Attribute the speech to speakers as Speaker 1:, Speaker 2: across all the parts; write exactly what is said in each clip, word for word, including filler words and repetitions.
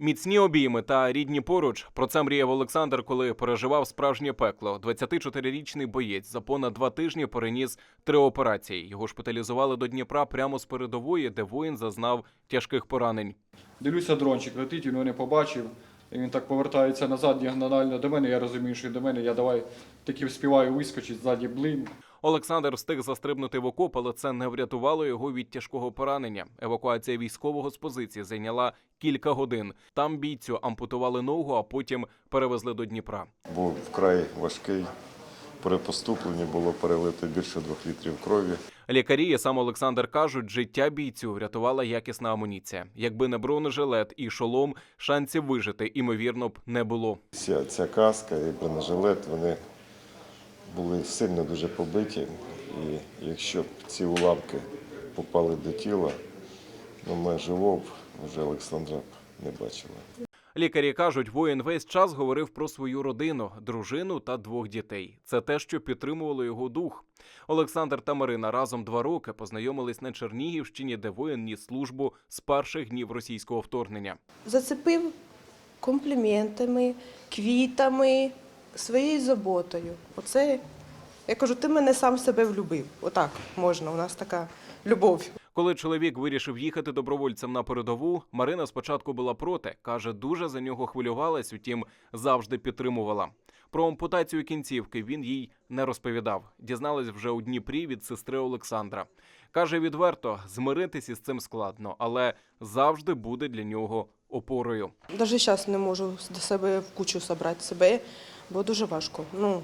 Speaker 1: Міцні обійми та рідні поруч. Про це мріяв Олександр, коли переживав справжнє пекло. двадцятичотирирічний боєць за понад два тижні переніс три операції. Його шпиталізували до Дніпра прямо з передової, де воїн зазнав тяжких поранень.
Speaker 2: Дивлюся, дрончик летить, він мене побачив. І він так повертається назад діагонально до мене. Я розумію, що до мене. Я давай таки вспіваю вискочити ззаді блин.
Speaker 1: Олександр встиг застрибнути в окоп, але це не врятувало його від тяжкого поранення. Евакуація військового з позиції зайняла кілька годин. Там бійцю ампутували ногу, а потім перевезли до Дніпра.
Speaker 3: Був вкрай важкий. При поступленні було перелито більше двох літрів крові.
Speaker 1: Лікарі і сам Олександр кажуть, життя бійцю врятувала якісна амуніція. Якби не бронежилет і шолом, шансів вижити, ймовірно, б не було.
Speaker 3: Ця, ця каска і бронежилет, вони були сильно дуже побиті. І якщо б ці уламки попали до тіла, ну ми живого б вже Олександра б не бачили.
Speaker 1: Лікарі кажуть, воїн весь час говорив про свою родину, дружину та двох дітей. Це те, що підтримувало його дух. Олександр та Марина разом два роки познайомились на Чернігівщині, де воїн ніс службу з перших днів російського вторгнення.
Speaker 4: Зацепив компліментами, квітами, своєю заботою. Оце, я кажу, ти мене сам себе влюбив. Отак можна, у нас така любов.
Speaker 1: Коли чоловік вирішив їхати добровольцем на передову, Марина спочатку була проти. Каже, дуже за нього хвилювалась, утім, завжди підтримувала. Про ампутацію кінцівки він їй не розповідав. Дізналась вже у Дніпрі від сестри Олександра. Каже відверто, змиритись із цим складно, але завжди буде для нього опорою.
Speaker 4: Навіть зараз не можу до себе в кучу зібрати себе, бо дуже важко. Ну,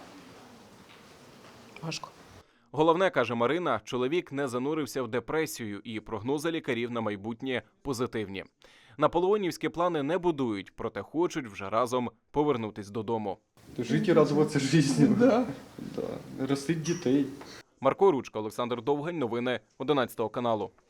Speaker 4: важко.
Speaker 1: Головне, каже Марина, чоловік не занурився в депресію і прогнози лікарів на майбутнє позитивні. Наполеонівські плани не будують, проте хочуть вже разом повернутись додому.
Speaker 2: Жити і радуватися житті. Да. Да. Ростить дітей.
Speaker 1: Марко Ручка, Олександр Довгань, новини одинадцятого каналу.